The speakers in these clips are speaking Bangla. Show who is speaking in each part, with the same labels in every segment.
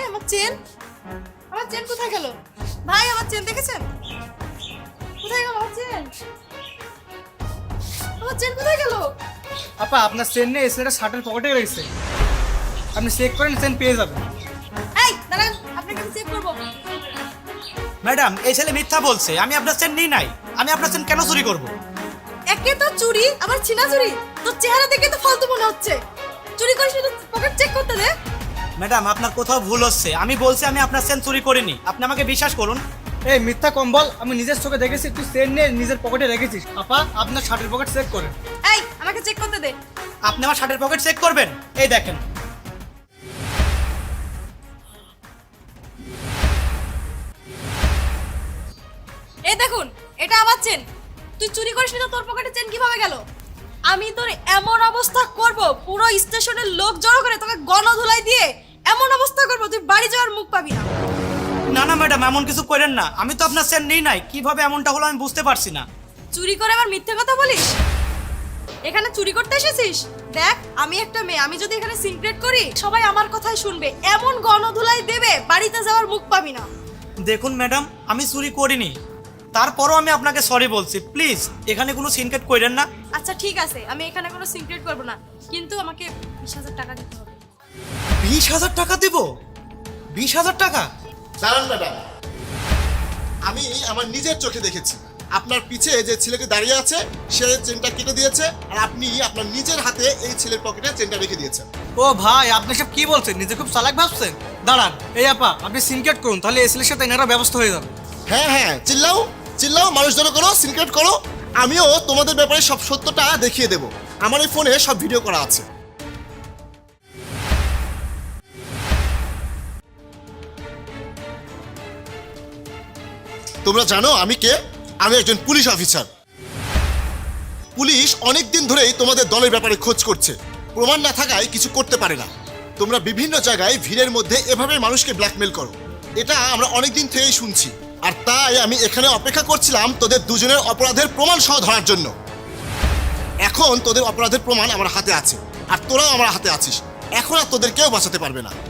Speaker 1: আমার চেন, আমার চেন কোথায় গেল? ভাই আমার চেন দেখেছেন? কোথায় গেল আমার চেন? আমার চেন কোথায় গেল?
Speaker 2: আপা আপনার চেন নেই, চেনটা শার্টের পকেটে রয়েছে, আপনি চেক করেন চেন পেয়ে যাবেন।
Speaker 1: এই দাঁড়ান, আপনাকে চেক করবো।
Speaker 3: ম্যাডাম, এই ছেলে মিথ্যা বলছে। আমি আপনার চেন নিই নাই। আমি আপনার চেন কেন চুরি করব?
Speaker 1: একে তো চুরি, আবার ছিনা চুরি। তোর চেহারা দেখে তো ফালতু মনে হচ্ছে। চুরি করিস না, পকেট চেক করতে দে।
Speaker 3: ম্যাডাম, আপনার কোথাও ভুল হচ্ছে। আমি বলছি আমি আপনার চেন চুরি করিনি। আপনি আমাকে বিশ্বাস করুন।
Speaker 2: এই মিথ্যা কম বল, আমি নিজের চোখে দেখেছি তুই চেন নিয়ে নিজের পকেটে রেখেছিস। আপা আপনার শার্টের পকেট চেক করেন।
Speaker 1: এই আমাকে চেক করতে দে।
Speaker 3: আপনি আমার শার্টের পকেট চেক করবেন? এই দেখেন।
Speaker 1: এই দেখুন, এটা আমার চেন। তুই চুরি করিস না, তোর পকেটে চেন কিভাবে গেল? আমি তোর এমন অবস্থা করব, পুরো স্টেশনের লোক জড়ো করে তোকে গণধুলাই দিয়ে এমন অবস্থা করব তুই বাড়ি যাওয়ার মুখ পাবি না।
Speaker 3: না না ম্যাডাম, এমন কিছু করেন না। আমি তো আপনার চেন নিই নাই। কিভাবে এমনটা হলো আমি বুঝতে পারছি না।
Speaker 1: চুরি করে আবার মিথ্যে কথা বলিস? এখানে চুরি করতে এসেছিস? দেখ, আমি একটা মেয়ে, আমি যদি এখানে সিক্রেট করি সবাই আমার কথাই শুনবে, এমন গণধুলাই দেবে বাড়িতে যাওয়ার মুখ পাবি না।
Speaker 3: দেখুন ম্যাডাম, আমি চুরি করিনি। তারপরও আমি আপনাকে সরি বলছি। প্লিজ এখানে কোনো সিনকেট করেন না।
Speaker 1: আচ্ছা ঠিক আছে, আমি এখানে কোনো সিক্রেট করব না, কিন্তু আমাকে 20,000 টাকা দিতে হবে।
Speaker 3: 20,000 টাকা দেব? 20,000 টাকা?
Speaker 4: দাঁড়ান ম্যাডাম, আমি আমার নিজের চোখে দেখেছি আপনার পিছে যে ছেলেটি দাঁড়িয়ে আছে সে চেনটা কেটে দিয়েছে, আর আপনি আপনার নিজের হাতে এই ছেলের পকেটে চেনটা রেখে দিয়েছেন।
Speaker 2: ও ভাই, আপনি সব কি বলছেন? নিজে খুব চালাক ভাবছেন। দাঁড়ান, এই আপা আপনি সিনকেট করুন, তাহলে এই ছেলের সাথে এনারা ব্যবস্থা হয়ে যাবে।
Speaker 4: হ্যাঁ হ্যাঁ, চিল্লাও চিল্লাও, মানুষ জড়ো করো, সিনক্রেট করো। আমিও তোমাদের ব্যাপারে সব সত্যটা দেখিয়ে দেব। আমার এই ফোনে সব ভিডিও করা আছে। তোমরা জানো আমি কে? আমি একজন পুলিশ অফিসার। পুলিশ অনেক দিন ধরেই তোমাদের দলের ব্যাপারে খোঁজ করছে, প্রমাণ না থাকায় কিছু করতে পারে না। তোমরা বিভিন্ন জায়গায় ভিড়ের মধ্যে এভাবে মানুষকে ব্ল্যাকমেল করো, এটা আমরা অনেক দিন থেকেই শুনছি। আর তাই আমি এখানে অপেক্ষা করছিলাম তোদের দুজনের অপরাধের প্রমাণ সহ ধরার জন্য। এখন তোদের অপরাধের প্রমাণ আমার হাতে আছে, আর তোরাও আমার হাতে আছিস। এখন আর তোদের কেউ বাঁচাতে পারবে না।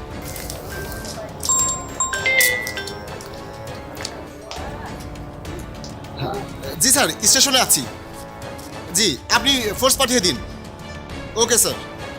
Speaker 4: জি স্যার, স্টেশনে আছি। জি, আপনি ফোর্স পাঠিয়ে দিন। Okay sir.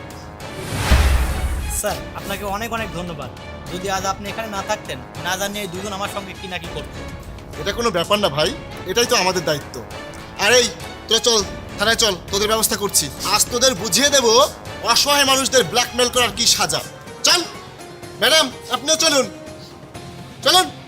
Speaker 3: স্যার, আপনাকে অনেক অনেক ধন্যবাদ। যদি আজ আপনি এখানে না থাকতেন, না জানি এই দুজন আমার সঙ্গে কি না কি করতেন।
Speaker 4: এটা কোনো ব্যাপার না ভাই, এটাই তো আমাদের দায়িত্ব। আর এই তোরা চল, থানায় চল, তোদের ব্যবস্থা করছি। আজ তোদের বুঝিয়ে দেব অসহায় মানুষদের ব্ল্যাকমেল করার কি সাজা। চল ম্যাডাম, আপনিও চলুন, চলুন।